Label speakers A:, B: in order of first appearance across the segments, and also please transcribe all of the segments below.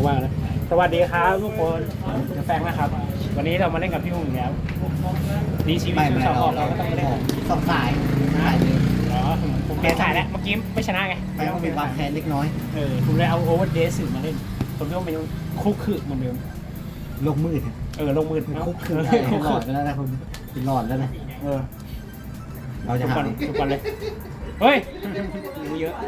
A: ว่างๆนะสวัสดีครับทุกคนจะแฟงนะครับวันนี้เรามาเล่นกับพี่หุ่นแล้วดีชีวิตสองออกเราก็ต้องเล่น
B: สองสาย
A: อ๋อผมเปลี่ยนสายแล้วเมื่อกี้ไม่ชนะไง
B: ไม่ต้องมีบางแคนเล็กน้อย
A: ผมเลยเอาโอเวอร์เดสมาเล่นผมคิดว่ามันยังคุกคือเหมือนเดิม
B: โลกมืด
A: ลงมือ
B: คุกคือหลอดไปแล้วนะคุณหลอดแล้วนะเราจะ
A: ทุก
B: หา
A: คนทุกคนเลยเฮ้ยเยอะ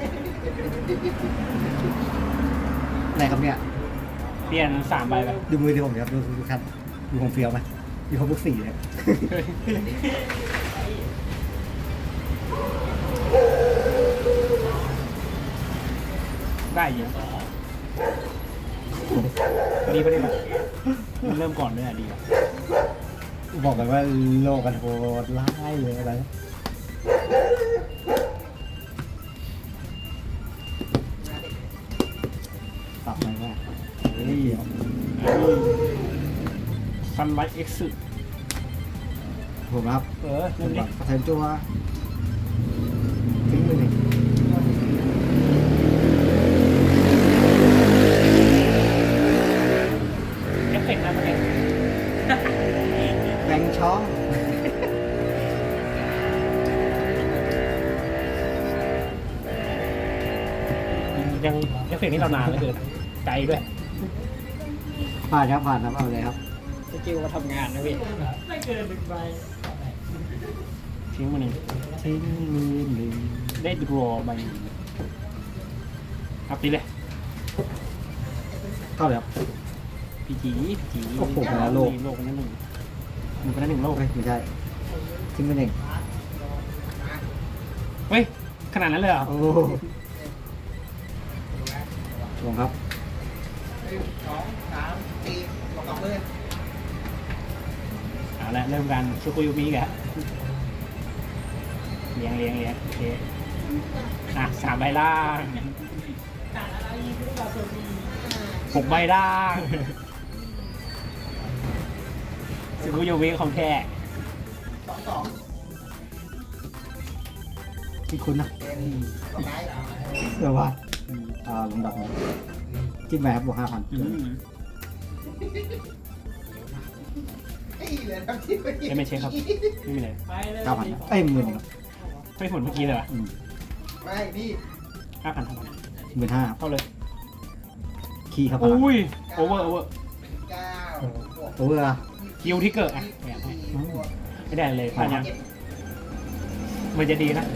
B: อะไรครับเนี่ย
A: เปลี่ยน3 ใบไป
B: ดูมือดีผมครับดูคันดูของเฟียวไหมมีครบทุกสีเลย
A: ได้เยอะดีไปเลยมั้ยมันเริ่มก่อนด้วยอ่ะดีอ่ะ
B: บอกกันว่าโลกกันโหดร้ายเลยอะไรปรับไหมว่าเฮ้ย
A: ซันไลท์เอ็กซ์
B: ผมครับ
A: เริ่มดิ
B: เทิร์นจัวทิ้งมือหนึ่ง
A: เอฟเฟกต์นะมันเอง
B: แบงช่อง
A: ยังเอฟเฟกต์นี้เรานานเหลือเกินไกลด้วย
B: ผ่านครับผ่านครับเอาเลยครับ
A: สกิลมาทำงานนะพี่ไม่เกิน1 ใบทิ้งมาหนึ่ง
B: ทิ้งมือหนึ่ง
A: ได้ดรอใบอัพตีเลย
B: เข้าเลยครับ
A: พีจี
B: โอ้โหไปแล้วโลก
A: โลกนั้นหนึ่งมันเป็น1 โลก
B: เฮ้ยไม่ใช่ทิ้งมือหนึ่ง
A: เฮ้ยขนาดนั้นเลยเหรอ
B: โอ้ลงครับ
A: เอาละเริ่มกันชูกุยุมิกะเลี้ยงโอเค3 ใบล่าง6 ใบล่างชูกุยุมิของแท้
B: ที่คุณนะเดี๋ยวว่าลงดับจิ้มไปครับบวก5,000
A: ไม่เช็คครับไม่มีเลย
B: 9,000เอ้ย10,000ครับ
A: ไม่ผลเมื่อกี้เลยว่ะ
C: ไม่นี่
A: 5,000
B: 15,000
A: เข้าเลย
B: คีย์ครับ
A: อุ้ยโอเวอร์
C: 9
B: โอเวอร์
A: คิวที่เกิดอ่ะไม่ได้เลยพลาดยังมันจะดีนะ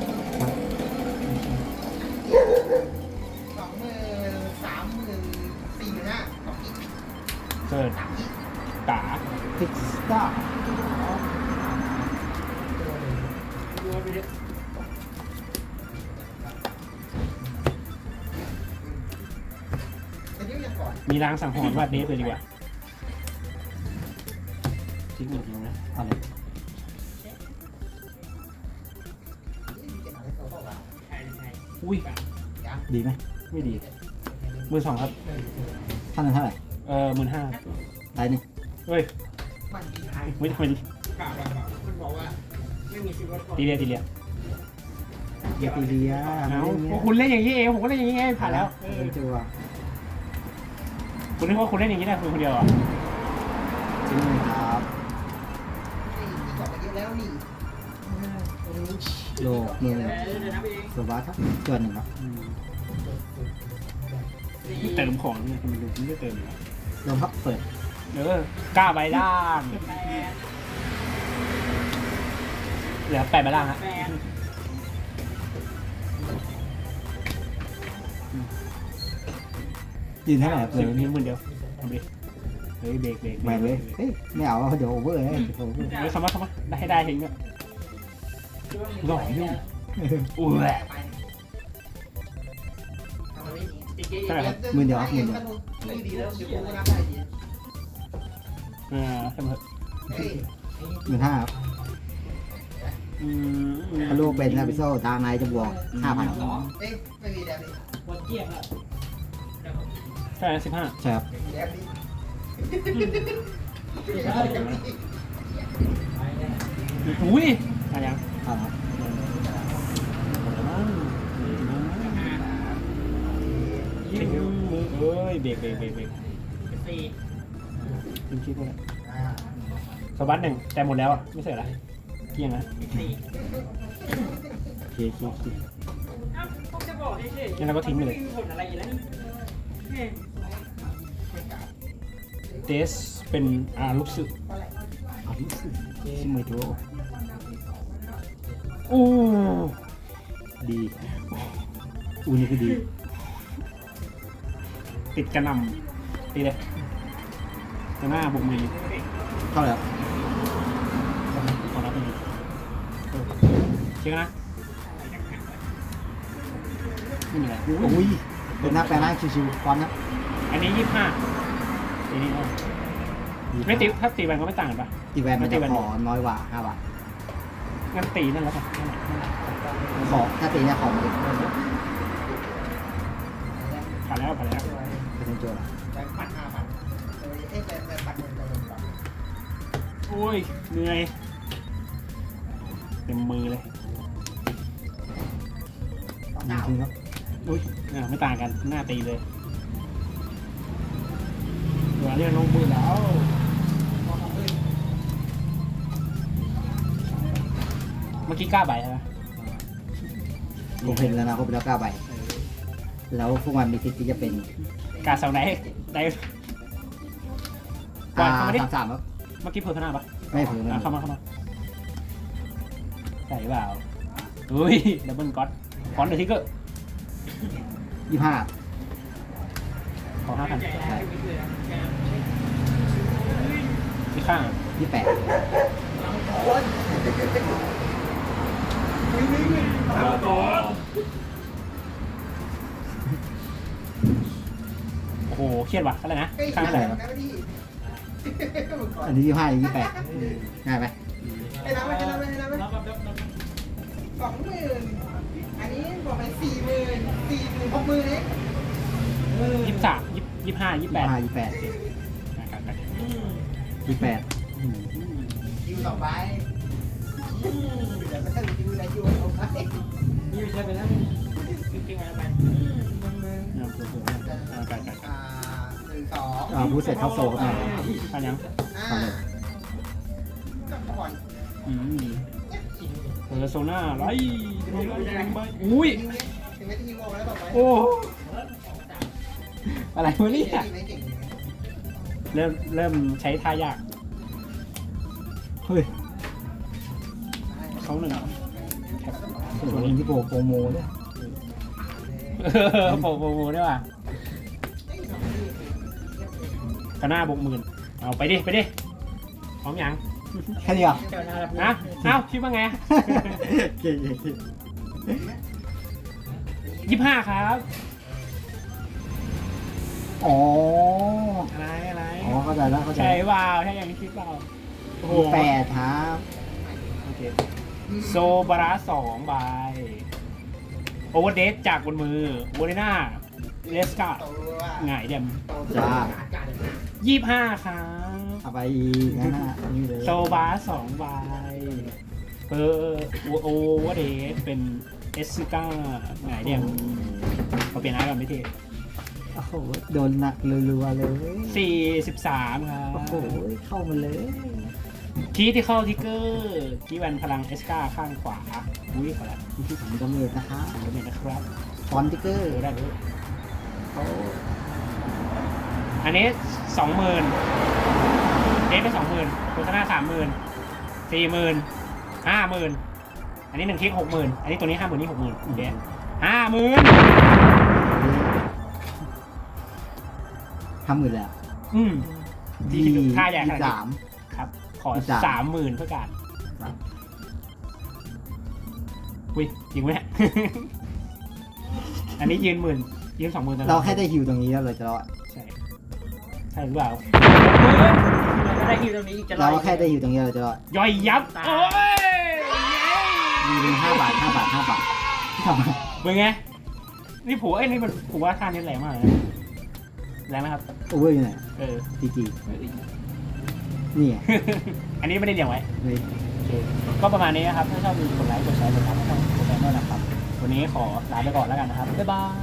C: 20,000 30,000 40,000 45,000
A: เกิดตา
B: พิกสตาร์
C: แต่นี่ยังก่อน
A: มีรางสังหรณ์ว่าเดฟเลยดีกว่าทิ้งหนึ่งทิ้งนะ
B: อะไร
A: อุ้ย
B: ดีไหม
A: ไม่ดีมือ2ครับ
B: ท่านนั้นเท่าไหร่
A: 15,000
B: ได้หนึ่ง
A: เฮ้ย
C: มันดีท้าย
A: ไม่ทำไมดี
C: มันบอกว่าไม่มีชีวิต
A: ตีเรีย
B: เกียร์ตีเรีย
A: เอาคุณเล่นอย่างนี้เองผมก็เล่นอย่างนี้ไงผ่านแล้ว
B: จัว
A: คุณนึกว่าคุณเล่นอย่างนี้ได้คุณคนเดียวอ่ะ
B: ทิ้งมือครับ
C: ที่ก่อนไปเยอะแล้วนี่
B: โลกมือสวัสดิ์ครับเกินหนึ่งครับ
A: เติมของเนี่ยคุณดูคุณไม่เติมเลย
B: ลงครับเปิด
A: กล้าใบล่างเหลือ8 ใบล่างฮะ
B: ยืนเท่าไหร่ครับ
A: เดี๋ยวนี้10,000เดียวทำดิเฮ้ยเบรก
B: แหวนเลยเฮ้ยไม่เอาเดี๋ยวโอเวอร์เลยโอเวอร์
A: เฮ้ยเข้ามาได้ให้ได้เห็นเนี่ยหล่อยุ่งอุ้ย
C: ดีแล้วเดี๋ยวกูก็นับได้ดี
A: เสมอ
B: 15,000ครับถ้าลูกเป็นนะพิโซ่ทางในจะบวก 5,000ครับ
C: เอ๊ะไม่มีแบบนี้
A: ใช่15
B: ใช่ครับ
C: แบบนี้
A: อุ้ยมายัง
B: ครับ
A: ยิงมือเอ้ยยเบรก
C: สี่
A: ทิ้งคลิปเลยสวัสดหนึ่งแต่หมดแล้วอ่ะไม่เสร็จละเกี่ยงนะ
C: สี่
A: เคงั้นเราก็ทิ้งไปเลยเดสเป็นลูกสึก
B: เอาที่สุดชิมวยตัว
A: อู้
B: ดีนี่คือดี
A: ติดกระหนำตีเลยจะหน้าบุกมือ
B: เข้าแล้ว
A: ขอรับไปเลยเช็คนะไม่มีอะไร
B: อุ้ยเป็นหน้าแปลงร่างชิวๆพร้อมนะ
A: อันนี้25อันนี้ไม่ตีถ้าตีแวนก็ไม่ต่างกันปะ
B: ตีแวนมันจะขอน้อยกว่า5 บาท
A: งั้นตีนั่นแล้วกัน
B: ขอถ้าตีเนี่ยขอมาดิ
A: ผ่านแล้ว
B: เป็นโจทย์
C: แบงค์ปัด5,000แบงค์ปัดเงินจะลงก่อน
A: โอ้ยเหนื่อยเต็มมือเลย
B: ยิงทิ้งครับ
A: อุ้ยไม่ต่างกันหน้าตีเลยตัวเรียกลงมือแล้วเมื่อกี้กล้าใบใช่ไหม
B: ผมเห็นแล้วนะผมแล้ว9 ใบแล้วพวกมันมีสิทธิ์ที่จะเป็น
A: กาเสาไหนได้ก่อนเข้ามาดิ
B: 33ครับ
A: เมื่อกี้เพิ่มพนาปะ
B: ไม่เพิ่ม
A: เข้ามาใส่เปล่าอุ้ยดับเบิลก๊อตฟอนต์เดอะทิกเกอร์
B: 25
A: ขอ5,000ที่ข้าง
B: 28
A: โอ้โหเครียดว่ะอะไรนะ
C: เฮ้ย
A: ข้าง
C: อะ
A: อะไร ไร
C: นะพี่
B: อันนี้25อันนี้28ง่ายไหม
C: ให้น้ำไป20,000อันนี้บอกไป40,000 60,000เอง
A: 23 25 28
C: คิวต่อไปเดี๋ยวไม่ต้องคิวนะคิวต่อไปคิวใช่ไปแล้วคิวอะไรไป 1 2
B: พูดเสร็จเข้าโซ่ครับ
A: อันยัง
C: กับก่อน
A: เปิดโซน่าไรอุ้ย
C: ถึงไม่ที่คิวแล้วต่อไป
A: โอ้อะไรวะเนี่ย
C: ไม่เก่ง
A: เริ่มใช้ท่ายาก
B: เฮ้ย
A: เขาหนึ่ง
B: ตัวนี้ที่โปรโมเนี่ย
A: โปรโมด้วยว่ะกระหน้าบก10,000เอาไปดิพร้อมยัง
B: แค่นี้เหรอ
A: นะเอ้าคิดว่าไง
B: เก่ง
A: 25ครับ
B: อ๋อ
A: อะไร
B: อ๋อเข้าใจแล้วเข้าใจ
A: ใช่เปล่าใช่อย่างที่คิดเปล่าโอ้โห
B: 8ครับ
A: โอเคโซบาระ2ใบโอเวอร์เดสจากบนมือโบเลน่าเลสกาหงายเดม 25ครับ
B: เอาไปอีกนะนี่เลย
A: โซบา2ใบโอเวอร์เดสเป็นเอสซิก้าหงายเดมเขาเปลี่ยนอาร์กันไม่เท่
B: โอ้โหโดนหนักรัวๆเลย
A: 43ครับ
B: โอ้โหเข้ามาเลย
A: คีที่เข้าทิกเกอร์คีแวนพลังเอสกาข้างขวาอุ้ยขอละ
B: ที่ผมดาเมจนะคะ
A: ขอเมนนะครับ
B: ฟอนติเกอร์
A: ได้เลย
B: เขา
A: อันนี้ 20,000เดฟไป 20,000โฆษณา 30,000 40,000 50,000อันนี้1คลิก 60,000อันนี้ตัวนี้ 50,000นี่ 60,000โอเค50,000
B: 50,000แล้ว
A: ที่ค่าใหญ่ขนาดนี้
B: 23
A: ครับ ขอ
B: 23
A: 30,000เพื่อการ
B: ครับ
A: อุ้ยจริงไหมเนี่ย อันนี้ยืน20,000
B: เราแค่ได้ฮิวตรงนี้แล้วเราจะรอด
A: ใช่ใช่หรือเปล่า
C: เราได้คิวตรงนี้อีกจะ
B: เราแค่ได้ฮิวตรงนี้เราจะรอด
A: ย่อยยับโอ้ย
B: มีเป็น5 บาท5 บาท5 บาททำไม
A: เป็นไงนี่ผัวนี่มันผัวท่านี้แรงมากเลยนะแรงไหมครับ
B: โอเวอร์อยู่ไหน
A: จี
B: นี่ไง
A: อันนี้ไม่ได้เรียงไว้
B: เลย
A: โอเคก็ประมาณนี้นะครับถ้าชอบดูกดไลค์กดแชร์กดติดตามช่องโปรแกรมด้วยนะครับวันนี้ขอลาไปก่อนแล้วกันนะครับบ๊ายบาย